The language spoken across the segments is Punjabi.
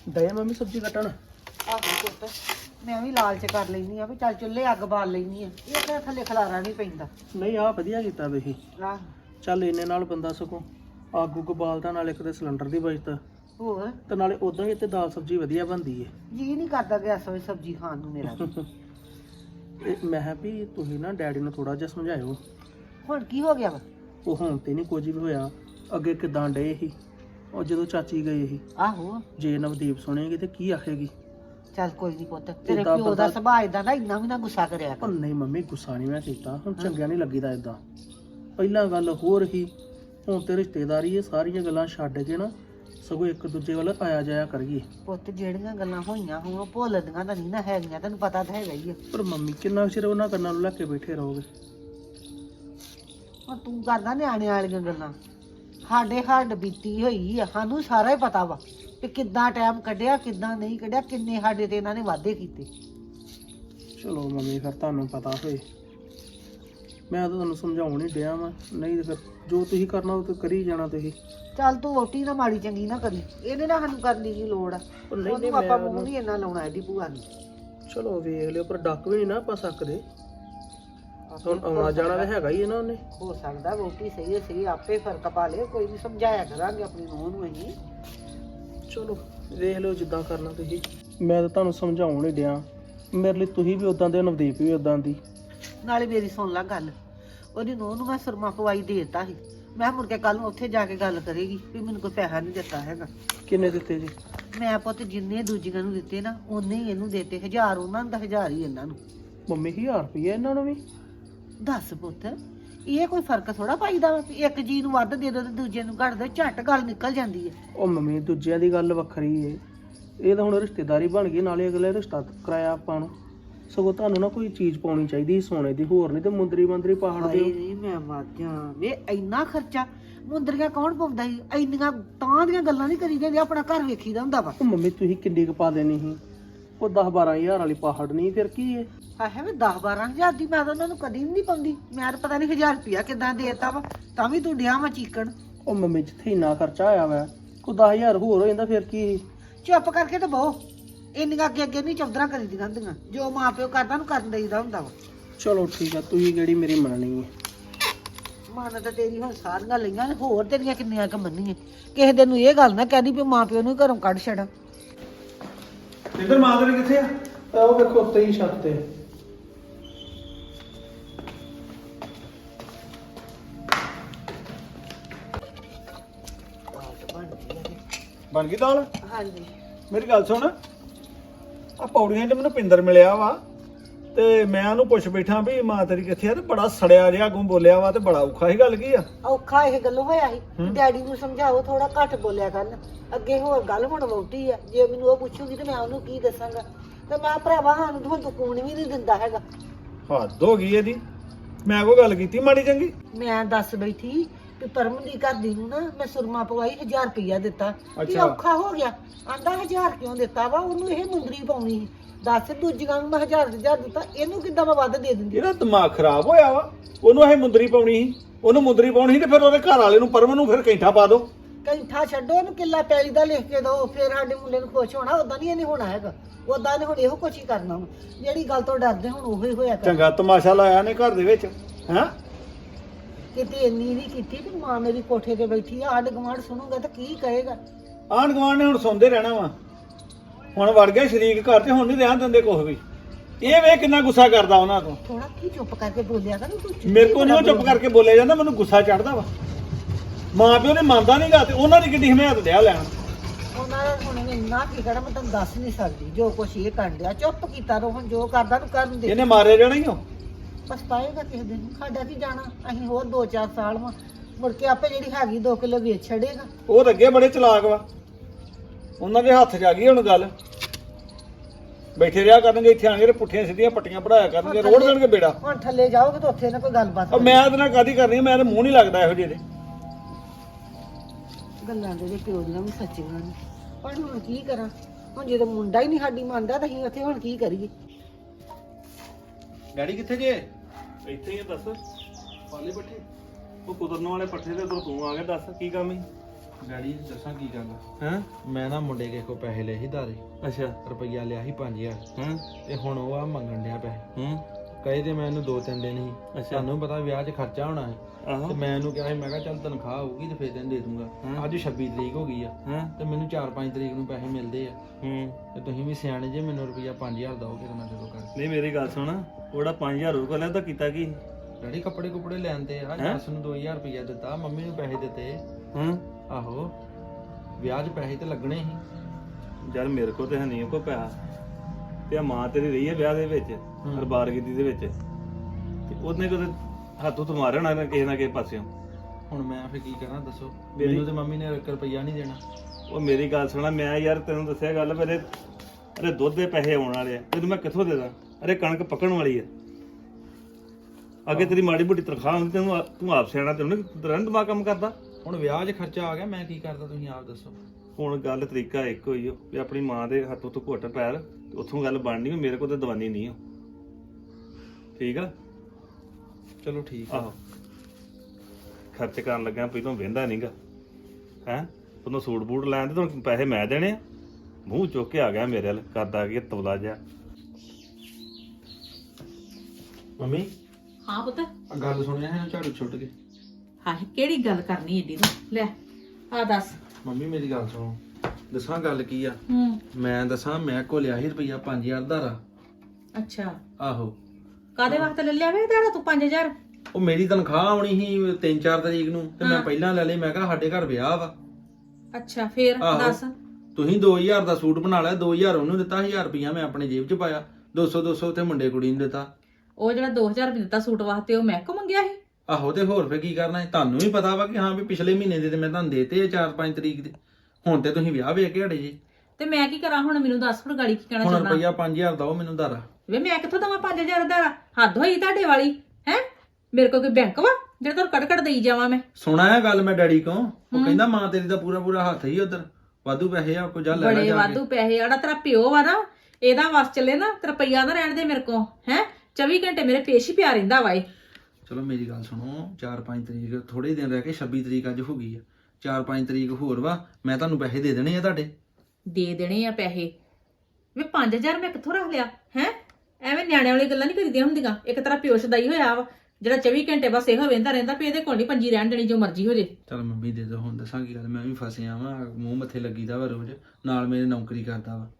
दया मम्मी सब्जी कट्टन ਆਹੋ ਪੁੱਤ ਮੈਂ ਵੀ ਲਾਲਚ ਕਰ ਲੈਣੀ ਆ ਵੀ ਚੱਲ ਚੁੱਲ੍ਹੇ ਅੱਗ ਬਾਲ ਲੈਣੀ ਆ ਇਹ ਤਾਂ ਥੱਲੇ ਖਲਾਰਾ ਨਹੀਂ ਪੈਂਦਾ नहीं आ वधिया कीता वे ਆਹ ਚੱਲ ਇੰਨੇ ਨਾਲ ਬੰਦਾ ਸਗੋਂ ਅੱਗ ਉੱਗ ਬਾਲਦਾ ਨਾਲ ਇੱਕ ਤੇ ਸਿਲੰਡਰ ਦੀ ਬਚਤ ਹੋਰ ਤੇ ਨਾਲੇ ਉਦਾਂ ਹੀ ਇੱਥੇ ਦਾਲ ਸਬਜ਼ੀ ਵਧੀਆ ਬਣਦੀ ਏ ਜੀ ਨਹੀਂ ਕਰਦਾ ਗਿਆ ਸੋਈ ਸਬਜ਼ੀ ਖਾਣ ਨੂੰ ਮੇਰਾ ਤੇ ਮੈਂ ਕਿਹਾ ਵੀ ਤੁਸੀਂ ਨਾ ਡੈਡੀ ਨੂੰ ਥੋੜਾ ਜਿਹਾ ਸਮਝਾਇਓ ਹੁਣ ਕੀ ਹੋ ਗਿਆ ਵਾ ਉਹ ਹੁਣ ਤੇ ਨਹੀਂ ਕੁਝ ਵੀ ਹੋਇਆ ਅੱਗੇ ਕਿਦਾਂ ਡੇ ਸੀ ਉਹ ਜਦੋਂ ਚਾਚੀ ਗਏ ਸੀ ਆਹੋ ਜੇ ਨਵਦੀਪ ਸੁਣੇਗੀ ਤੇ ਕੀ ਆਖੇਗੀ ਚੱਲ ਕੋਈ ਨਹੀਂ ਪੁੱਤ ਤੇਰੇ ਏਦਾਂ ਪਿਓ ਦਾ ਬੰਦਾ- ਸੁਭਾਅ ਇਦਾਂ ਦਾ ਇੰਨਾ ਵੀ ਨਾ ਗੁੱਸਾ ਕਰਿਆ ਪਰ ਕਰ ਨਹੀਂ ਮੰਮੀ ਗੁੱਸਾ ਨਹੀਂ ਮੈਂ ਕੀਤਾ ਹੁਣ ਚੰਗਿਆ ਨਹੀਂ ਲੱਗੀਦਾ ਇਦਾਂ ਪਹਿਲਾਂ ਗੱਲ ਹੋਰ ਹੀ ਹੁਣ ਤੇ ਰਿਸ਼ਤੇਦਾਰੀ ਇਹ ਸਾਰੀਆਂ ਗੱਲਾਂ ਛੱਡ ਕੇ ਨਾ ਸਗੋਂ ਇੱਕ ਦੂਜੇ ਵੱਲ ਆਇਆ ਜਾਇਆ ਕਰੀਏ ਪੁੱਤ ਜਿਹੜੀਆਂ ਗੱਲਾਂ ਹੋਈਆਂ ਹੁਣ ਉਹ ਭੁੱਲਦੀਆਂ ਤਾਂ ਨਹੀਂ ਨਾ ਹੈਗੀਆਂ ਤੈਨੂੰ ਪਤਾ ਤਾਂ ਹੈਗਾ ਹੀ ਆ ਪਰ ਮੰਮੀ ਕਿੰਨਾ ਚਿਰ ਉਹਨਾਂ ਕੰਨਾਂ ਨੂੰ ਲੈ ਕੇ ਬੈਠੇ ਰਹੋਗੇ ਹੁਣ ਤੂੰ ਕਰਦਾ ਨਿਆਣੇ ਵਾਲੀਆਂ ਗੱਲਾਂ ਸਾਡੇ ਹੱਡ ਬੀਤੀ ਹੋਈ ਆ ਸਾਨੂੰ ਸਾਰਾ ਹੀ ਪਤਾ ਵਾ ਕਿ ਕਿੱਦਾਂ ਟਾਈਮ ਕੱਢਿਆ ਕਿੱਦਾਂ ਨਹੀਂ ਕੱਢਿਆ ਕਿੰਨੇ ਸਾਡੇ ਤੇ ਇਹਨਾਂ ਨੇ ਵਾਅਦੇ ਕੀਤੇ ਚਲੋ ਮੰਮੀ ਫਿਰ ਤੁਹਾਨੂੰ ਪਤਾ ਹੋਏ ਮੈਂ ਤਾਂ ਤੁਹਾਨੂੰ ਸਮਝਾਉਣ ਹੀ ਡਿਆ ਵਾਂ ਨਹੀਂ ਤੇ ਫਿਰ ਜੋ ਤੁਸੀਂ ਕਰਨਾ ਉਹ ਤੇ ਕਰੀ ਜਾਣਾ ਤੁਸੀਂ ਚੱਲ ਤੂੰ ਵੋਟੀ ਨਾ ਮਾੜੀ ਚੰਗੀ ਨਾ ਕਰੀ ਇਹਨੇ ਨਾ ਸਾਨੂੰ ਕਰਨ ਦੀ ਕੀ ਲੋੜ ਆ ਪਰ ਨਹੀਂ ਉਹਨੂੰ ਆਪਾਂ ਮੂੰਹ ਨਹੀਂ ਇੰਨਾ ਲਾਉਣਾ ਇਹਦੀ ਭੂਆ ਨੂੰ ਚਲੋ ਵੇਖ ਲਿਓ ਪਰ ਡੱਕ ਵੀ ਨਹੀਂ ਨਾ ਆਪਾਂ ਸਕਦੇ ਹੁਣ ਆਉਣਾ ਜਾਣਾ ਤਾਂ ਹੈਗਾ ਹੀ ਹੈ ਨਾ ਉਹਨੇ ਹੋ ਸਕਦਾ ਵੋਟੀ ਸਹੀ ਹੈ ਸਹੀ ਆਪੇ ਫਰਕ ਪਾ ਲਿਓ ਕੋਈ ਨਹੀਂ ਸਮਝਾਇਆ ਕਰਾਂਗੇ ਆਪਣੀ ਨੂੰਹ ਨੂੰ ਅਸੀਂ ਚਲੋ ਵੇਖ ਲਿਓ ਜਿੱਦਾਂ ਕਰਨਾ ਤੁਸੀਂ ਮੈਂ ਤਾਂ ਤੁਹਾਨੂੰ ਸਮਝਾਉਣ ਹੀ ਡਿਆ ਮੇਰੇ ਲਈ ਤੁਸੀਂ ਵੀ ਉਦਾਂ ਦੇ ਨਵਦੀਪ ਵੀ ਉਦਾਂ ਦੀ ਨਾਲੇ ਮੇਰੀ ਸੁਣ ਲੈ ਗੱਲ ਉਹਦੀ ਨੂੰਹ ਨੂੰ ਮੈਂ ਸੁਰਮਾ ਪਵਾਈ ਦੇ ਦਿੱਤਾ ਸੀ ਮੈਂ ਮੁੜ ਕੇ ਕੱਲ ਨੂੰ ਉੱਥੇ ਜਾ ਕੇ ਗੱਲ ਕਰੇਗੀ ਵੀ ਮੈਨੂੰ ਕੋਈ ਪੈਸਾ ਨਹੀਂ ਦਿੱਤਾ ਹੈਗਾ ਕਿੰਨੇ ਦਿੱਤੇ ਜੀ ਮੈਂ ਪੁੱਤ ਜਿੰਨੇ ਦੂਜੀਆਂ ਨੂੰ ਦਿੱਤੇ ਨਾ ਉਹਨੇ ਹੀ ਇਹਨੂੰ ਦਿੱਤੇ 1000 ਉਹਨਾਂ ਨੂੰ ਤਾਂ 1000 ਹੀ ਇਹਨਾਂ ਨੂੰ ਮੰਮੀ 1000 ਰੁਪਏ ਇਹਨਾਂ ਨੂੰ ਵੀ ਦੱਸ ਪੁੱਤ ਇਹ ਕੋਈ ਫਰਕ ਥੋੜਾ ਪਾਈਦਾ ਵਾ ਵੀ ਇੱਕ ਜੀ ਨੂੰ ਵੱਧ ਦੇ ਦੋ ਤੇ ਦੂਜੇ ਨੂੰ ਘੱਟ ਦੇ ਝੱਟ ਗੱਲ ਨਿਕਲ ਜਾਂਦੀ ਹੈ ਉਹ ਮੰਮੀ ਦੂਜਿਆਂ ਦੀ ਗੱਲ ਵੱਖਰੀ ਏ ਇਹ ਤਾਂ ਹੁਣ ਰਿਸ਼ਤੇਦਾਰੀ ਬਣ ਗਈ ਨਾਲੇ ਅਗਲੇ ਰਿਸ਼ਤਾ ਕਰਾਇਆ ਆਪਾਂ ਨੂੰ ਸਗੋਂ ਤੁਹਾਨੂੰ ਨਾ ਕੋਈ ਚੀਜ਼ ਪਾਉਣੀ ਚਾਹੀਦੀ ਸੋਨੇ ਦੀ ਹੋਰ ਨਹੀਂ ਤੇ ਮੁੰਦਰੀ ਮੰਦਰੀ ਪਹਾੜ ਹਾਏ ਦਿਓ ਨੀ ਮੈਂ ਮਰ ਜਾ ਵੇ ਇੰਨਾ ਖਰਚਾ ਮੁੰਦਰੀਆਂ ਕੌਣ ਪਾਉਂਦਾ ਸੀ ਇੰਨੀਆਂ ਤਾਂ ਦੀਆਂ ਗੱਲਾਂ ਨਹੀਂ ਕਰੀ ਜਾਂਦੀ ਆਪਣਾ ਘਰ ਵੇਖੀਦਾ ਹੁੰਦਾ ਵਾ ਉਹ ਮੰਮੀ ਤੁਸੀਂ ਕਿੰਨੀ ਕੁ ਪਾ ਦੇਣੀ ਸੀ ਉਹ 10-12 ਹਜ਼ਾਰ ਵਾਲੀ ਪਹਾੜ ਨਹੀਂ ਫਿਰ ਕੀ ਏ ਆਹੇ ਵੀ 10-12 ਹਜ਼ਾਰ ਦੀ ਮੈਂ ਤਾਂ ਉਹਨਾਂ ਨੂੰ ਕਦੀ ਵੀ ਨਹੀਂ ਪਾਉਂਦੀ ਮੈਂ ਤਾਂ ਪਤਾ ਨਹੀਂ 1000 ਰੁਪਇਆ ਕਿੱਦਾਂ ਦੇਤਾ ਵਾ ਤਾਂ ਵੀ ਤੂੰ ਡਿਆ ਵਾ ਚੀਕਣ ਉਹ ਮੰਮੀ ਜਿੱਥੇ ਇੰਨਾ ਖਰਚਾ ਆਇਆ ਵਾ ਕੋਈ 10,000 ਹੋਰ ਹੋ ਜਾਂਦਾ ਫਿਰ ਕੀ ਚੁੱਪ ਕਰਕੇ ਤੇ ਬਹੁ ਇੰਨੀਆਂ ਅੱਗੇ ਅੱਗੇ ਨਹੀਂ ਚੌਧਰਾਂ ਕਰੀਦੀਆਂ ਹੁੰਦੀਆਂ ਜੋ ਮਾਂ ਪਿਓ ਕਰਦਾ ਨੂੰ ਕਰਨ ਦੇਈਦਾ ਹੁੰਦਾ ਵਾ ਚਲੋ ਠੀਕ ਆ ਤੁਸੀਂ ਕਿਹੜੀ ਮੇਰੀ ਮੰਨਣੀ ਹੈ ਮਾਂ ਤਾਂ ਤੇਰੀ ਹੁਣ ਸਾਰੀਆਂ ਲਈਆਂ ਹੋਰ ਤੇਰੀਆਂ ਕਿੰਨੀਆਂ ਕੁ ਮੰਨੀਆਂ ਕਿਸੇ ਦਿਨ ਨੂੰ ਇਹ ਗੱਲ ਨਾ ਕਹਿੰਦੀ ਵੀ ਮਾਂ ਪਿਓ ਨੂੰ ਘਰੋਂ ਕੱਢ ਛੱਡਾਂ ਇੱਧਰ ਮਾਂ ਤੇਰੀ ਕਿੱਥੇ ਆ ਉਹ ਵੇਖੋ ਉੱਤੇ ਹੀ ਛੱਤ ਤੇ ਬਣ ਗਈ ਦਾਲ ਹਾਂਜੀ ਮੇਰੀ ਗੱਲ ਸੁਣ ਆ ਪੌੜੀਆਂ 'ਚ ਮੈਨੂੰ ਪਿੰਦਰ ਮਿਲਿਆ ਵਾ ਤੇ ਮੈਂ ਉਹਨੂੰ ਪੁੱਛ ਬੈਠਾ ਵੀ ਮਾਂ ਤੇਰੀ ਕਿੱਥੇ ਆ ਤੇ ਬੜਾ ਸੜਿਆ ਜਿਹਾ ਅੱਗੋਂ ਬੋਲਿਆ ਵਾ ਤੇ ਬੜਾ ਔਖਾ ਹੀ ਗੱਲ ਕੀ ਆ ਔਖਾ ਇਹ ਗੱਲੋਂ ਹੋਇਆ ਸੀ ਡੈਡੀ ਨੂੰ ਸਮਝਾਓ ਥੋੜਾ ਘੱਟ ਬੋਲਿਆ ਕਰਨ ਅੱਗੇ ਹੋਰ ਗੱਲ ਹੁਣ ਵਹੁਟੀ ਆ ਜੇ ਮੈਨੂੰ ਉਹ ਪੁੱਛੂਗੀ ਤੇ ਮੈਂ ਉਹਨੂੰ ਕੀ ਦੱਸਾਂਗਾ ਤੇ ਮੈਂ ਭਰਾਵਾ ਸਾਨੂੰ ਤਾਂ ਹੁਣ ਦੁਕਾਨ ਵੀ ਨਹੀਂ ਦਿੰਦਾ ਹੈਗਾ ਹੱਦ ਹੋ ਗਈ ਇਹਦੀ ਮੈਂ ਕੋਈ ਗੱਲ ਕੀਤੀ ਮਾੜੀ ਚੰਗੀ ਮੈਂ ਦੱਸ ਬੈਠੀ ਕਿ ਪਰਮ ਦੀ ਘਰ ਦੀ ਨੂੰ ਨਾ ਮੈਂ ਸੁਰਮਾ ਪਵਾਈ 1000 ਰੁਪਇਆ ਦਿੱਤਾ ਕੀ ਅੱਛਾ। ਔਖਾ ਹੋ ਗਿਆ ਆਂਦਾ 1000 ਕਿਉਂ ਦਿੱਤਾ ਵਾ ਉਹਨੂੰ ਇਹ ਮੁੰਦਰੀ ਪਾਉਣੀ ਸੀ ਦੱਸ ਦੂਜੀਆਂ ਨੂੰ ਮੈਂ 1000 ਦਿੱਤਾ ਇਹਨੂੰ ਕਿੱਦਾਂ ਮੈਂ ਵੱਧ ਦੇ ਦਿੰਦੀ ਇਹਦਾ ਦਿਮਾਗ ਖਰਾਬ ਹੋਇਆ ਵਾ ਉਹਨੂੰ ਇਹ ਮੁੰਦਰੀ ਪਾਉਣੀ ਸੀ ਉਹਨੂੰ ਮੁੰਦਰੀ ਪਾਉਣੀ ਸੀ ਤੇ ਫਿਰ ਉਹਦੇ ਘਰ ਵਾਲੇ ਨੂੰ ਪਰਮ ਨੂੰ ਫਿਰ ਕੈਂਠਾ ਪਾ ਦੋ ਕੈਂਠਾ ਛੱਡੋ ਇਹਨੂੰ ਕਿੱਲਾ ਪੈਲੀ ਦਾ ਲਿਖ ਕੇ ਦਿਓ ਫਿਰ ਸਾਡੇ ਮੁੰਡੇ ਨੂੰ ਖੁਸ਼ ਹੋਣਾ ਉਦਾਂ ਨਹੀਂ ਇਹਨੇ ਹੋਣਾ ਹੈਗਾ ਉਦਾਂ ਇਹਨੇ ਹੁਣ ਇਹੋ ਕੁਛ ਹੀ ਕਰਨਾ ਵਾ ਜਿਹੜੀ ਗੱਲ ਤੋਂ ਡਰਦੇ ਹੁਣ ਉਹੀ ਹੋਇਆ ਕਰ ਚੰਗਾ ਤਮਾਸ਼ਾ ਲਾਇਆ ਨੇ ਘਰ ਦੇ ਵਿੱਚ ਹੈਂ ਕਿਤੇ ਇੰਨੀ ਨਹੀਂ ਕੀਤੀ ਕਿ ਮਾਂ ਮੇਰੀ ਕੋਠੇ ਤੇ ਬੈਠੀ ਆ ਆਂਢ ਗੁਆਂਢ ਸੁਣੂਗਾ ਤਾਂ ਕੀ ਕਹੇਗਾ ਆਂਢ ਗੁਆਂਢ ਨੇ ਹੁਣ ਸੌਂਦੇ ਰਹਿਣਾ ਵਾ ਹੁਣ ਵੜ ਗਿਆ ਸ਼ਰੀਕ ਘਰ ਤੇ ਹੁਣ ਨਹੀਂ ਰਹਿਣ ਦਿੰਦੇ ਕੁਛ ਵੀ ਇਹ ਵੇ ਕਿੰਨਾ ਗੁੱਸਾ ਕਰਦਾ ਉਹਨਾਂ ਤੋਂ ਥੋੜਾ ਕੀ ਚੁੱਪ ਕਰਕੇ ਬੋਲਿਆ ਕਰ ਤੂੰ ਮੇਰੇ ਕੋਲ ਨਹੀਂ ਚੁੱਪ ਕਰਕੇ ਬੋਲਿਆ ਜਾਂਦਾ ਮੈਨੂੰ ਗੁੱਸਾ ਚੜਦਾ ਵਾ ਮਾਂ ਪਿਓ ਨੇ ਮੰਨਦਾ ਨਹੀਂਗਾ ਤੇ ਉਹਨਾਂ ਦੀ ਕਿੱਡੀ ਹਮਾਇਤ ਦਿਆ ਲੈਣ ਉਹਨਾਂ ਦਾ ਹੁਣ ਇੰਨਾ ਕੀ ਕਰਾਂ ਮੈਂ ਤੁਹਾਨੂੰ ਦੱਸ ਨਹੀਂ ਸਕਦੀ ਜੋ ਕੁਛ ਇਹ ਕਰਨ ਡਿਆ ਚੁੱਪ ਕੀਤਾ ਰੋ ਹੁਣ ਜੋ ਕਰਦਾ ਨੂੰ ਕਰਨ ਦੇ ਇਹਨੇ ਮਾਰਿਆ ਜਾਣਾ ਹੀ ਹੋ ਬਸ ਪਾਏਗਾ ਕਿਸੇ ਦਿਨ ਸਾਡਾ ਕੀ ਜਾਣਾ ਅਸੀਂ ਹੋਰ 2-4 ਸਾਲ ਵਾ ਮੁੜ ਕੇ ਆਪੇ ਜਿਹੜੀ ਹੈਗੀ 2 ਕਿਲੋ ਵੇਚ ਛੜੇਗਾ ਉਹ ਤਾਂ ਅੱਗੇ ਬੜੇ ਚਲਾਕ ਵਾ ਉਹਨਾਂ ਦੇ ਹੱਥ 'ਚ ਆ ਗਈ ਹੁਣ ਗੱਲ ਬੈਠੇ ਰਿਹਾ ਕਰਨਗੇ ਇੱਥੇ ਆਣਗੇ ਤੇ ਪੁੱਠੀਆਂ ਸਿੱਧੀਆਂ ਪੱਟੀਆਂ ਪੜਾਇਆ ਕਰਨਗੇ ਰੋੜ ਦੇਣਗੇ ਬੇੜਾ ਹੁਣ ਥੱਲੇ ਜਾਓਗੇ ਤਾਂ ਉੱਥੇ ਨਾ ਕੋਈ ਗੱਲਬਾਤ ਉਹ ਮੈਂ ਉਹਦੇ ਨਾਲ ਕਾਦੀ ਕਰਨੀ ਮੈਂ ਤਾਂ ਮੂੰਹ ਨਹੀਂ ਲੱਗਦਾ ਇਹੋ ਜਿਹੇ ਦੇ ਗੱਲਾਂ ਦੇ ਪਿਓ ਦੀਆਂ ਵੀ ਸੱਚੀਆਂ ਨੇ ਪਰ ਹੁਣ ਕੀ ਕਰਾਂ ਹੁਣ ਜਦੋਂ ਮੁੰਡਾ ਹੀ ਨਹੀਂ ਸਾਡੀ ਮੰਨਦਾ ਤਾਂ ਅਸੀਂ ਉੱਥੇ ਹੁਣ ਕੀ ਕਰੀਏ ਡੈਡੀ ਕਿੱਥੇ ਜੇ ਇੱਥੇ ਹੀ ਆ ਦੱਸ ਪਾਲੇ ਪੱਠੇ ਉਹ ਕੁਦਰਨ ਵਾਲੇ ਪੱਠੇ ਤੇ ਤੂੰ ਆ ਗਿਆ ਦੱਸ ਕੀ ਕੰਮ ਹੈ ਡੈਡੀ ਦੱਸਾਂ ਕੀ ਗੱਲ ਆ? ਹਾਂ ਮੈਂ ਨਾ ਮੁੰਡੇ ਕਿਸੇ ਕੋ ਪੈਸੇ ਲਏ ਸੀ ਧਾਰੇ, ਅੱਛਾ ਰੁਪਈਆ ਲਿਆ ਸੀ 5000 ਹਾਂ ਤੇ ਹੁਣ ਉਹ ਆ ਮੰਗਣ ਡਿਆ ਪੈਸੇ। ਹੂੰ ਕਹੇ ਤੇ ਮੈਂ ਇਹਨੂੰ 2-3 ਦਿਨ ਹੀ, ਅੱਛਾ ਤੁਹਾਨੂੰ ਪਤਾ ਵਿਆਹ 'ਚ ਖਰਚਾ ਹੋਣਾ ਹੈ ਆਹੋ ਤੇ ਮੈਂ ਇਹਨੂੰ ਕਿਹਾ ਸੀ, ਮੈਂ ਕਿਹਾ ਚੱਲ ਤਨਖਾਹ ਆਊਗੀ ਤੇ ਫੇਰ ਤੈਨੂੰ ਦੇ ਦੂੰਗਾ। ਹਾਂ। ਅੱਜ 26 ਤਰੀਕ ਹੋ ਗਈ ਆ ਹਾਂ ਤੇ ਮੈਨੂੰ 4-5 ਤਰੀਕ ਨੂੰ ਪੈਸੇ ਮਿਲਦੇ ਆ ਹੂੰ ਤੇ ਤੁਸੀਂ ਵੀ ਸਿਆਣੇ ਜੇ, ਮੈਨੂੰ ਰੁਪਈਆ 5000 ਦਓਗੇ ਤੇ ਮੈਂ ਜਦੋਂ ਕਰ ਨਹੀਂ ਮੇਰੀ ਗੱਲ ਸੁਣ, ਉਹਦਾ 5000 ਉਹ ਕੋਲ ਤਾਂ ਕੀਤਾ ਕੀ? ਡੈਡੀ ਕੱਪੜੇ ਕੁਪੜੇ ਲੈਂਦੇ ਆ। ਹੈਂ? ਜੱਸ ਨੂੰ 2000 ਰੁਪਈਆ ਦਿੱਤਾ, ਮੰਮੀ ਨੂੰ ਪੈਸੇ ਦਿੱਤੇ। ਹਾਂ ਆਹੋ ਵਿਆਹ 'ਚ ਪੈਸੇ ਤੇ ਲੱਗਣੇ ਸੀ। ਯਾਰ ਮੇਰੇ ਕੋਲ ਤੇ ਹੈ ਨਹੀਂ ਕੋਈ ਪੈਸਾ, ਤੇ ਆ ਮਾਂ ਤੇਰੀ ਰਹੀ ਹੈ ਵਿਆਹ ਦੇ ਵਿੱਚ ਹਰਬਾਰਗੀਦੀ ਦੇ ਵਿੱਚ, ਤੇ ਉਹਨੇ ਕਦੇ ਹੱਥੋਂ ਤੋਂ ਮਾਰਿਆ ਹੋਣਾ ਕਿਸੇ ਨਾ ਕਿਸੇ ਪਾਸਿਓਂ। ਹੁਣ ਮੈਂ ਫੇਰ ਕੀ ਕਰਾਂ ਦੱਸੋ? ਮੇਰੀ- ਮੈਨੂੰ ਤੇ ਮੰਮੀ ਨੇ 1 ਰੁਪਈਆ ਨਹੀਂ ਦੇਣਾ। ਉਹ ਮੇਰੀ ਗੱਲ ਸੁਣਾ, ਮੈਂ ਯਾਰ ਤੈਨੂੰ ਦੱਸਿਆ ਗੱਲ, ਮੇਰੇ ਅਰੇ ਦੁੱਧ ਦੇ ਪੈਸੇ ਆਉਣ ਵਾਲੇ ਆ, ਤੈਨੂੰ ਮੈਂ ਕਿੱਥੋਂ ਦੇ ਦਾਂ? ਅਰੇ ਕਣਕ ਪੱਕਣ ਵਾਲੀ ਆ, ਅੱਗੇ ਤੇਰੀ ਮਾੜੀ ਮੋਟੀ ਤਨਖਾਹ ਹੁੰਦੀ, ਤੈਨੂੰ ਤੂੰ ਆਪ ਸਿਆਣਾ, ਤੈਨੂੰ ਤੁਰੰਤ ਦਿਮਾਗ ਕੰਮ ਕਰਦਾ। ਹੁਣ ਵਿਆਹ 'ਚ ਖਰਚਾ ਆ ਗਿਆ, ਮੈਂ ਕੀ ਕਰਦਾ ਤੁਸੀਂ ਆਪ ਦੱਸੋ? ਹੁਣ ਗੱਲ ਤਰੀਕਾ ਇੱਕ ਹੋਈ ਓ ਵੀ ਆਪਣੀ ਮਾਂ ਦੇ ਹੱਥੋਂ ਤੋਂ ਘੁੱਟ ਪੈਰ, ਤੇ ਉੱਥੋਂ ਗੱਲ ਬਣਨੀ, ਮੇਰੇ ਕੋਲ ਤਾਂ ਦਵਾਨੀ ਨਹੀਂ ਓ। ਠੀਕ ਆ? ਚਲੋ ਠੀਕ ਆ। ਆਹੋ ਖਰਚ ਕਰਨ ਲੱਗਾ ਪਹਿਲਾਂ ਵਹਿੰਦਾ ਨਹੀਂਗਾ ਹੈ, ਉਹਨੂੰ ਸੂਟ ਬੂਟ ਲੈਣ ਤੇ ਤੁਹਾਨੂੰ ਪੈਸੇ ਮੈਂ ਦੇਣੇ ਆ, ਮੂੰਹ ਚੁੱਕ ਕੇ ਆ ਗਿਆ ਮੇਰੇ ਵੱਲ, ਕਰਦਾ ਕਿ ਤਵਲਾ ਜਿਹਾ। ਮੰਮੀ ਹਾਂ ਪੁੱਤ, ਆ ਗੱਲ ਸੁਣਿਆ ਹੈ ਝਾੜੂ ਛੁੱਟ ਕੇ? ਹਾਂ ਕਿਹੜੀ ਗੱਲ ਕਰਨੀ ਏਡੀ ਤੂੰ? ਲੈ ਆ ਦੱਸ। ਮੰਮੀ ਮੇਰੀ ਗੱਲ ਸੁਣੋ, ਦੱਸਾਂ ਗੱਲ ਕੀ ਆ? ਹੂੰ ਮੈਂ ਦੱਸਾਂ, ਮੈਂ ਕੋ ਲਿਆ ਸੀ ਰੁਪਈਆ 5000 ਧਾਰਾ। ਅੱਛਾ, ਆਹੋ ਕਾਦੇ ਵਾਸਤੇ ਲੈ ਲਿਆ ਵੇ ਤੇਰਾ ਤੂੰ 5000? ਉਹ ਮੇਰੀ ਤਨਖਾਹ ਆਉਣੀ ਸੀ 3-4 ਤਰੀਕ ਨੂੰ ਤੇ ਮੈਂ ਪਹਿਲਾਂ ਲੈ ਲਈ। ਮੈਂ ਕਿਹਾ ਸਾਡੇ ਘਰ ਵਿਆਹ ਵਾ। ਅੱਛਾ ਫੇਰ ਆਹੋ। ਦੱਸ। ਤੁਸੀਂ 2000 ਦਾ ਸੂਟ ਬਣਾ ਲਿਆ, 2000 ਉਹਨੂੰ ਦਿੱਤਾ, 1000 ਰੁਪਈਆ ਮੈਂ ਆਪਣੇ ਜੇਬ 'ਚ ਪਾਇਆ, 200 ਤੇ ਮੁੰਡੇ ਕੁੜੀ ਨੂੰ ਦਿੱਤਾ। ਉਹ ਜਿਹੜਾ 2000 ਰੁਪਏ ਦਿੱਤਾ ਸੂਟ ਵਾਸਤੇ, ਉਹ ਮੈਂ ਕੋ ਮੰਗਿਆ ਸੀ? ਆਹੋ ਤੇ ਹੋਰ ਫੇ ਕੀ ਕਰਨਾ ਹੈ? ਤੁਹਾਨੂੰ ਵੀ ਪਤਾ ਵਾ ਕਿ ਹਾਂ ਵੀ ਪਿਛਲੇ ਮਹੀਨੇ ਦੇ ਤੇ ਮੈਂ ਤੁਹਾਨੂੰ ਦੇਤੇ ਆ 4-5 ਤਰੀਕ ਦੇ। ਹੁਣ ਤੇ ਤੁਸੀਂ ਵਿਆਹ ਵੇਖ ਕੇ ਹਟੇ ਜੀ। ਤੇ ਮੈਂ ਕੀ ਕਰਾਂ ਹੁਣ? ਮੈਨੂੰ ਦੱਸ ਹੁਣ ਗਾੜੀ ਕੀ ਕਹਿਣਾ ਹੁਣ ਚਾਹੁੰਦਾ? ਰੁਪਈਆ 5000 ਦਓ ਮੈਨੂੰ ਧਾਰਾ। ਵੇ ਮੈਂ ਕਿੱਥੋਂ ਦਵਾਂ 5000 ਦਾ? ਹੱਦ ਹੋਈ ਤੁਹਾਡੇ ਵਾਲੀ ਹੈ। ਮੇਰੇ ਕੋਲ ਕੋਈ ਬੈਂਕ ਵਾ ਜਿਹੜਾ ਤੁਹਾਨੂੰ ਕੱਢ ਦੇਈ ਜਾਵਾਂ ਮੈਂ? ਸੁਣਾ ਹੈ ਗੱਲ ਮੈਂ ਡੈਡੀ ਕੋ, ਉਹ ਕਹਿੰਦਾ ਮਾਂ ਤੇਰੀ ਦਾ ਪੂਰਾ ਹੱਥ ਹੀ ਉਧਰ, ਵਾਧੂ ਪੈਸੇ ਆ ਕੋ ਜਾ ਲੈ ਲੈ ਬੜੇ ਜਾ ਵਾਧੂ ਪੈਸੇ, ਆੜਾ ਤੇਰਾ ਪਿਓ ਵਾ ਨਾ, ਇਹਦਾ ਵਸ ਚੱਲੇ ਨਾ ਤੇ ਰੁਪਈਆ ਨਾ ਰਹਿਣ ਦੇ ਮੇਰੇ ਕੋ ਹੈ। 24 ਘੰਟੇ ਮੇਰੇ ਪੇਸ਼ ਹੀ ਪਿਆ ਰਹਿੰਦਾ ਵਾ ਇਹ। ਚਲੋ ਮੇਰੀ ਗੱਲ ਸੁਣੋ, 4-5 ਤਰੀਕ ਥੋੜੇ ਦਿਨ ਰਹਿ ਕੇ 26 ਤਰੀਕ ਅੱਜ ਹੋ ਗਈ ਆ, 4-5 ਤਰੀਕ ਹੋਰ ਵਾ, ਮੈਂ ਤੁਹਾਨੂੰ ਪੈਸੇ ਦੇ ਦੇਣੇ ਆ ਤੁਹਾਡੇ। ਦੇ ਦੇਣੇ ਆ ਪੈਸੇ? ਵੇ 5000 ਮੈਂ ਕਿੱਥੋਂ ਰੱਖ ਲਿਆ ਹੈ? ਐਵੇਂ ਨਿਆਣਿਆਂ ਵਾਲੀ ਗੱਲਾਂ ਨਹੀਂ ਕਰੀਦੀਆਂ ਹੁੰਦੀਆਂ। ਇੱਕ ਤਰ੍ਹਾਂ ਪਿਓ ਸਦਾਈ ਹੋਇਆ ਵਾ ਜਿਹੜਾ 24 ਘੰਟੇ ਬਸ ਇਹੋ ਵੇਂਦਾ ਰਹਿੰਦਾ ਵੀ ਇਹਦੇ ਕੋਲ ਨਹੀਂ ਪੰਜੀ ਰਹਿਣ ਦੇਣੀ, ਜੋ ਮਰਜ਼ੀ ਹੋ ਜੇ। ਚਲ ਮੰਮੀ ਦੇ ਦੋ। ਹੁਣ ਦੱਸਾਂ ਕੀ ਗੱਲ, ਮੈਂ ਵੀ ਫਸਿਆ ਵਾਂ, ਮੂੰਹ ਮੱਥੇ ਲੱਗੀਦਾ ਵਾ ਰੋਜ਼, ਨਾਲ ਮੇਰੇ ਨੌਕਰੀ ਕਰਦਾ ਵਾ।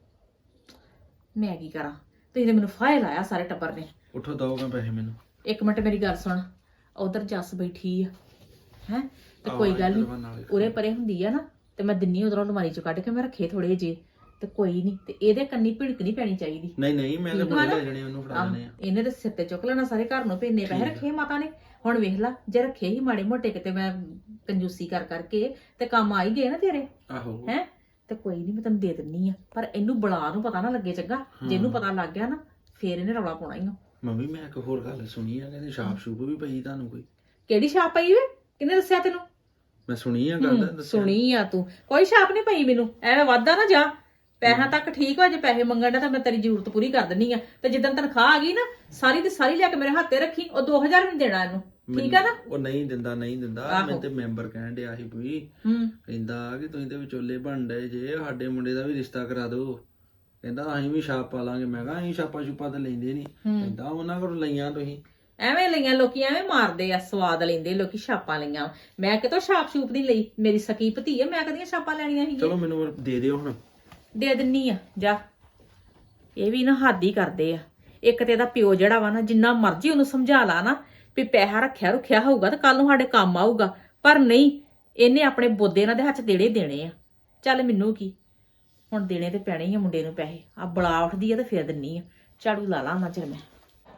ਮੈਂ ਕੀ ਕਰਾਂ? ਤੁਸੀਂ ਤੇ ਮੈਨੂੰ ਫਾਇਲ ਲਾਇਆ ਸਾਰੇ ਟੱਬਰ ਨੇ। ਉੱਠੋ ਦਓਗਾ ਪੈਸੇ ਮੈਨੂੰ। ਇੱਕ ਮਿੰਟ ਮੇਰੀ ਗੱਲ ਸੁਣ, ਉਧਰ ਜੱਸ ਬੈਠੀ ਆ ਹੈ, ਤੇ ਕੋਈ ਗੱਲ ਨਹੀਂ ਉਰੇ ਪਰੇ ਹੁੰਦੀ ਆ ਨਾ, ਤੇ ਮੈਂ ਦਿੰਨੀ ਉਧਰੋਂ ਅਲਮਾਰੀ ਚੋਂ ਕੱਢ ਕੇ ਮੈਂ ਰੱਖੇ ਥੋੜੇ ਜੇ, ਤੇ ਕੋਈ ਨਹੀਂ, ਤੇ ਇਹਦੇ ਕੰਨੀ ਭਿੜਕ ਨਹੀਂ ਪੈਣੀ ਚਾਹੀਦੀ। ਨਹੀਂ ਮੈਂ ਤਾਂ ਠੀਕ ਵਾ ਬੜੇ ਨਾ? ਲੈ ਜਣੇ ਉਹਨੂੰ ਫੜਾ ਆਹ, ਦੇਣੇ ਆ। ਇਹਨੇ ਤੇ ਸਿਰ ਤੇ ਚੁੱਕ ਲੈਣਾ ਸਾਰੇ ਘਰ ਨੂੰ, ਭੇਜਨੇ ਪੈਸੇ ਰੱਖੇ ਮਾਤਾ ਨੇ। ਹੁਣ ਵੇਖ ਲਾ, ਜੇ ਰੱਖੇ ਹੀ ਮਾੜੇ ਮੋਟੇ ਕਿਤੇ ਮੈਂ ਕੰਜੂਸੀ ਕਰਕੇ ਤੇ ਕੰਮ ਆ ਹੀ ਗਏ ਨਾ ਤੇਰੇ ਆਹੋ ਹੈ, ਤੇ ਕੋਈ ਨਹੀਂ ਮੈਂ ਤੈਨੂੰ ਦੇ ਦਿੰਨੀ ਆ। ਪਰ ਇਹਨੂੰ ਬੁਲਾ ਨੂੰ ਪਤਾ ਨਾ ਲੱਗੇ ਚੰਗਾ, ਜੇ ਇਹਨੂੰ ਪਤਾ ਲੱਗ ਗਿਆ ਨਾ ਫੇਰ ਇਹਨੇ ਰੌਲਾ ਪਾਉਣਾ ਹੀ ਆ। ਮੰਮੀ ਮੈਂ ਇੱਕ ਹੋਰ ਗੱਲ ਸੁਣੀ ਆ, ਕਹਿੰਦੇ ਛਾਪ ਛੂਪ ਵੀ ਪਈ ਤੁਹਾਨੂੰ ਕੋਈ? ਕਿਹੜੀ ਛਾਪ ਪਈ ਵੇ? ਕਿਹਨੇ ਦੱਸਿਆ ਤੈਨੂੰ? ਮੈਂ ਸੁਣੀ ਆ ਗੱਲ, ਦੱਸਿਆ। ਸੁਣੀ ਆ ਤੂੰ? ਕੋਈ ਛਾਪ ਨਹੀਂ ਪਈ ਮੈਨੂੰ, ਐਵੇਂ ਵਾਧਾ ਨਾ ਜਾ। ਪੈਸਾ ਤੱਕ ਠੀਕ ਹੋ, ਜੇ ਪੈਸੇ ਮੰਗਣ ਦਾ ਤਾਂ ਮੈਂ ਤੇਰੀ ਜ਼ਰੂਰਤ ਪੂਰੀ ਕਰ ਦਿੰਨੀ ਆ। ਤੇ ਜਿੱਦਣ ਤਨਖਾਹ ਆ ਗਈ ਨਾ, ਸਾਰੀ ਦੀ ਸਾਰੀ ਲਿਆ ਕੇ ਮੇਰੇ ਹੱਥੇ ਰੱਖੀ। ਉਹ 2000 ਵੀ ਦੇਣਾ ਇਹਨੂੰ, ਠੀਕ ਆ ਨਾ? ਉਹ ਨਹੀਂ ਦਿੰਦਾ ਆਹੋ। ਮੈਂ ਤੇ ਮੈਂਬਰ ਕਹਿਣ ਡਿਆ ਸੀ ਵੀ, ਕਹਿੰਦਾ ਕਿ ਤੁਸੀਂ ਤੇ ਵਿਚੋਲੇ ਬਣ ਡਏ ਜੇ, ਸਾਡੇ ਮੁੰਡੇ ਦਾ ਵੀ ਰਿਸ਼ਤਾ ਕਰਾ ਦਿਓ। ਕਹਿੰਦਾ ਅਸੀਂ ਵੀ ਛਾਪ ਪਾ ਲਾਂਗੇ। ਮੈਂ ਕਿਹਾ ਅਸੀਂ ਛਾਪਾ ਛੁਪਾ ਤਾਂ ਲੈਂਦੇ ਨਹੀਂ। ਕਹਿੰਦਾ ਉਹਨਾਂ ਕੋਲ ਲਈਆਂ ਤੁਸੀਂ। ਐਵੇਂ ਲਈਆਂ ਲੋਕੀ, ਐਵੇਂ ਮਾਰਦੇ ਆ, ਸਵਾਦ ਲੈਂਦੇ ਲੋਕੀ, ਛਾਪਾਂ ਲਈਆਂ। ਮੈਂ ਕਿਤੋਂ ਛਾਪ ਛੂਪ ਨਹੀਂ ਲਈ, ਮੇਰੀ ਸਕੀ ਭਤੀ ਆ, ਮੈਂ ਕਦੀਆਂ ਛਾਪਾਂ ਲੈਣੀਆਂ ਸੀ? ਚਲੋ ਮੈਨੂੰ ਦੇ ਦਿਓ ਹੁਣ। ਦੇ ਦਿੰਨੀ ਆ, ਜਾ। ਇਹ ਵੀ ਨਾ ਹੱਦ ਹੀ ਕਰਦੇ ਆ। ਇੱਕ ਤੇ ਇਹਦਾ ਪਿਓ ਜਿਹੜਾ ਵਾ ਨਾ, ਜਿੰਨਾ ਮਰਜ਼ੀ ਉਹਨੂੰ ਸਮਝਾ ਲਾ ਨਾ ਵੀ ਪੈਸਾ ਰੱਖਿਆ ਰੁਖਿਆ ਹੋਊਗਾ ਤੇ ਕੱਲ ਨੂੰ ਸਾਡੇ ਕੰਮ ਆਊਗਾ, ਪਰ ਨਹੀਂ, ਇਹਨੇ ਆਪਣੇ ਬੋਦੇ ਇਹਨਾਂ ਦੇ ਹੱਥ ਦੇਣੇ ਆ। ਚੱਲ ਮੈਨੂੰ ਕੀ, ਹੁਣ ਦੇਣੇ ਤੇ ਪੈਣੇ ਹੀ ਆ ਮੁੰਡੇ ਨੂੰ ਪੈਸੇ। ਆ ਬਲਾ ਉੱਠਦੀ ਆ ਤੇ ਫੇਰ ਦਿੰਨੀ ਆ। ਝਾੜੂ ਲਾ ਲਾ ਨਾ ਚਿਰ ਮੈਂ।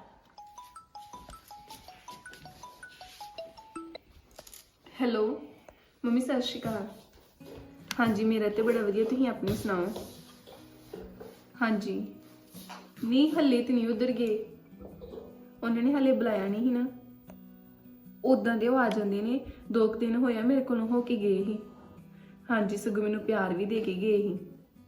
ਹੈਲੋ ਮੰਮੀ, ਸਤਿ ਸ਼੍ਰੀ ਅਕਾਲ। ਹਾਂਜੀ ਮੇਰਾ ਤੇ ਬੜਾ ਵਧੀਆ, ਤੁਸੀਂ ਆਪਣੀ ਸੁਣਾਓ? ਹਾਂਜੀ ਨਹੀਂ, ਹੱਲੇ ਤੇ ਨਹੀਂ ਉਧਰ ਗਏ, ਉਹਨਾਂ ਨੇ ਹੱਲੇ ਬੁਲਾਇਆ ਨਹੀਂ ਸੀ ਨਾ। ਉਦਾਂ ਦੇ ਉਹ ਆ ਜਾਂਦੇ ਨੇ, 2 ਦਿਨ ਹੋਇਆ ਮੇਰੇ ਕੋਲੋਂ ਹੋ ਕੇ ਗਏ ਸੀ। ਹਾਂਜੀ ਸਗੋਂ ਮੈਨੂੰ ਪਿਆਰ ਵੀ ਦੇ ਕੇ ਗਏ ਸੀ।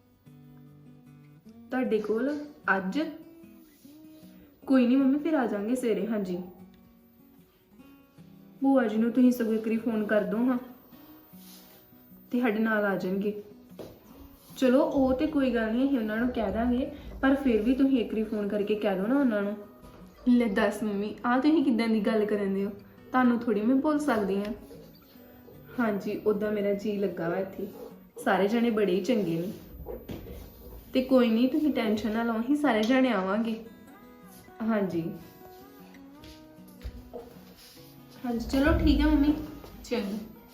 ਤੁਹਾਡੇ ਕੋਲ ਅੱਜ? ਕੋਈ ਨਹੀਂ ਮੰਮੀ, ਫਿਰ ਆ ਜਾਵਾਂਗੇ ਸਵੇਰੇ। ਹਾਂਜੀ ਭੂਆ ਜੀ ਨੂੰ ਤੁਸੀਂ ਸਗੋਂ ਇੱਕ ਵਾਰੀ ਫੋਨ ਕਰ ਦੋ ਹਾਂ। ਤੇ ਸਾਡੇ ਨਾਲ ਆ ਜਾਣਗੇ। ਚਲੋ ਉਹ ਤੇ ਕੋਈ ਗੱਲ ਨਹੀਂ, ਅਸੀਂ ਉਹਨਾਂ ਨੂੰ ਕਹਿ ਦਾਂਗੇ, ਪਰ ਫਿਰ ਵੀ ਤੁਸੀਂ ਇੱਕ ਵਾਰੀ ਫੋਨ ਕਰਕੇ ਕਹਿ ਦਿਓ ਨਾ ਉਹਨਾਂ ਨੂੰ। ਲੈ ਦੱਸ ਮੰਮੀ, ਆਹ ਤੁਸੀਂ ਕਿੱਦਾਂ ਦੀ ਗੱਲ ਕਰਨ ਦੇ ਹੋ? ਤੁਹਾਨੂੰ ਥੋੜੀ ਮੈਂ ਭੁੱਲ ਸਕਦੀ ਹਾਂ। ਹਾਂਜੀ, ਉੱਦਾਂ ਮੇਰਾ ਜੀ ਲੱਗਾ ਵਾ ਇੱਥੇ, ਸਾਰੇ ਜਣੇ ਬੜੇ ਹੀ ਚੰਗੇ ਨੇ। ਤੇ ਕੋਈ ਨਹੀਂ, ਤੁਸੀਂ ਟੈਨਸ਼ਨ ਨਾ ਲਓ, ਅਸੀਂ ਸਾਰੇ ਜਣੇ ਆਵਾਂਗੇ। ਹਾਂਜੀ ਹਾਂਜੀ, ਚਲੋ ਠੀਕ ਹੈ ਮੰਮੀ, ਚੰਗਾ।